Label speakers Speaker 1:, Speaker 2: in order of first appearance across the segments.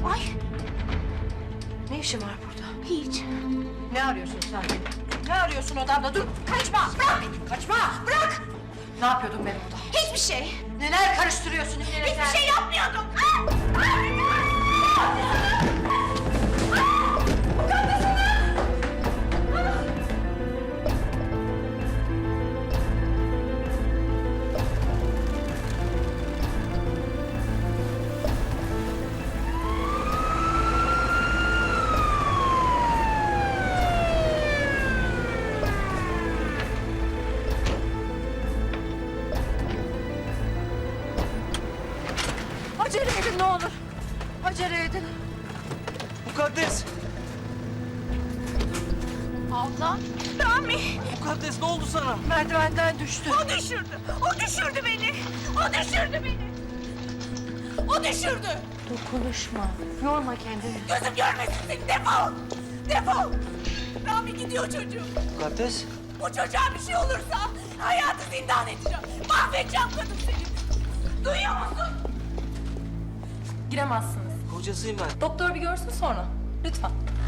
Speaker 1: Ay.
Speaker 2: Ne işin var burada?
Speaker 1: Hiç.
Speaker 2: Ne arıyorsun sen? Ne arıyorsun odamda? Dur, kaçma! Bırak beni, kaçma! Bırak! Ne yapıyordun ben orada?
Speaker 1: Hiçbir şey.
Speaker 2: Neler karıştırıyorsun yine?
Speaker 1: Hiçbir şey yapmıyordum.
Speaker 2: Acele edin ne olur. Acele edin.
Speaker 3: Mukaddes!
Speaker 1: Abla. Rami.
Speaker 3: Mukaddes ne oldu sana?
Speaker 2: Merdivenden düştü.
Speaker 1: O düşürdü. O düşürdü beni. O düşürdü beni. O düşürdü.
Speaker 2: Konuşma. Yorma kendini.
Speaker 1: Gözüm görmesin seni. Defol. Defol. Rami gidiyor çocuğum.
Speaker 3: Mukaddes?
Speaker 1: Bu çocuğa bir şey olursa hayatı zindan edeceğim. Mahvedeceğim kadın seni. Duyuyor musun?
Speaker 4: Giremezsiniz.
Speaker 3: Kocasıyım ben.
Speaker 4: Doktor bir görsün sonra. Lütfen.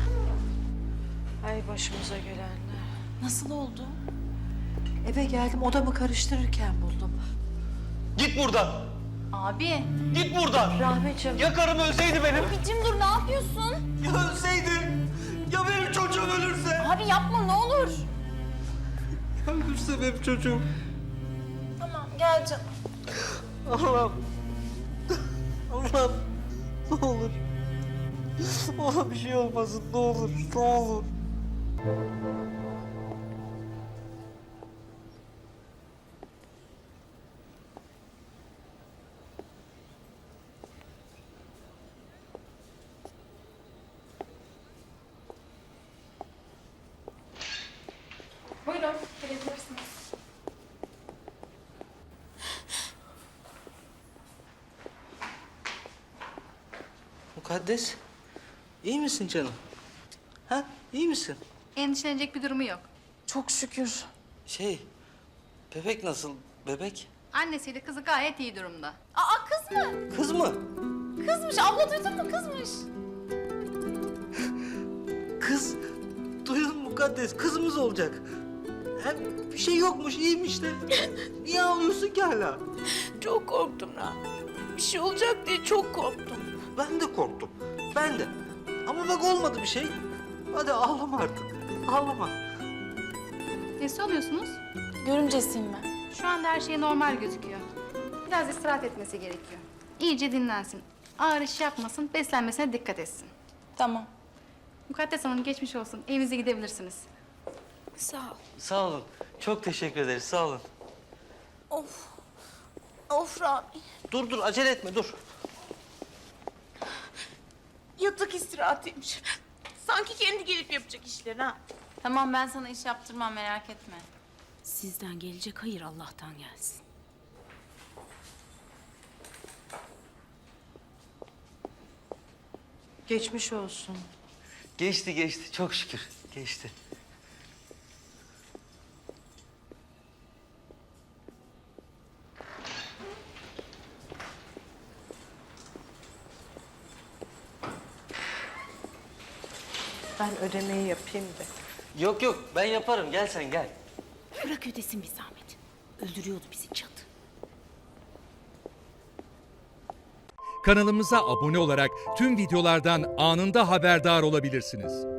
Speaker 2: Ay başımıza gelenler.
Speaker 4: Nasıl oldu?
Speaker 2: Eve geldim odamı karıştırırken buldum.
Speaker 3: Git buradan!
Speaker 4: Abi.
Speaker 3: Git buradan!
Speaker 2: Rahmetciğim.
Speaker 3: Ya karım ölseydi benim?
Speaker 4: Abicim dur ne yapıyorsun?
Speaker 3: Ya ölseydi? Ya benim çocuğum ölürse?
Speaker 4: Abi yapma ne olur.
Speaker 3: Ya ölürse benim çocuğum?
Speaker 4: Tamam gel canım.
Speaker 3: Allah'ım. Allah'ım. Ne olur. Ona bir şey olmasın ne olur. Ne olur.
Speaker 4: Buyurun gelebilirsiniz.
Speaker 3: Mukaddes. İyi misin canım? Ha? İyi misin?
Speaker 5: Endişelenecek bir durumu yok.
Speaker 4: Çok şükür.
Speaker 3: Bebek nasıl? Bebek?
Speaker 5: Annesiyle kızı gayet iyi durumda.
Speaker 4: Aa kız mı?
Speaker 3: Kız mı?
Speaker 4: Kızmış. Abla duydun mu? Kızmış.
Speaker 3: Kız. Duydun mu Mukaddes? Kızımız olacak. Hem bir şey yokmuş, iyiymiş de. Niye ağlıyorsun ki hala?
Speaker 1: Çok korktum Rami. Bir şey olacak diye çok korktum.
Speaker 3: Ben de korktum. Ben de. Ama bak olmadı bir şey. Hadi ağlama artık. Ağlama.
Speaker 5: Nesi oluyorsunuz?
Speaker 4: Görümcesiyim ben.
Speaker 5: Şu anda her şey normal gözüküyor. Biraz istirahat etmesi gerekiyor. İyice dinlensin. Ağır iş yapmasın, beslenmesine dikkat etsin.
Speaker 4: Tamam.
Speaker 5: Mukaddes Hanım geçmiş olsun. Evinize gidebilirsiniz.
Speaker 1: Sağ ol.
Speaker 3: Sağ olun. Çok teşekkür ederiz. Sağ olun.
Speaker 1: Of. Of Rami.
Speaker 3: Dur acele etme dur.
Speaker 1: Yatak istirahatıymış. Sanki kendi gelip yapacak işleri ha.
Speaker 4: Tamam ben sana iş yaptırmam merak etme.
Speaker 6: Sizden gelecek hayır Allah'tan gelsin.
Speaker 2: Geçmiş olsun.
Speaker 3: Geçti. Çok şükür. Geçti.
Speaker 2: Ben ödemeyi yapayım da.
Speaker 3: Yok ben yaparım. Gel sen gel.
Speaker 6: Bırak ödesin bir zahmet. Öldürüyordu bizi cadı.
Speaker 7: Kanalımıza abone olarak tüm videolardan anında haberdar olabilirsiniz.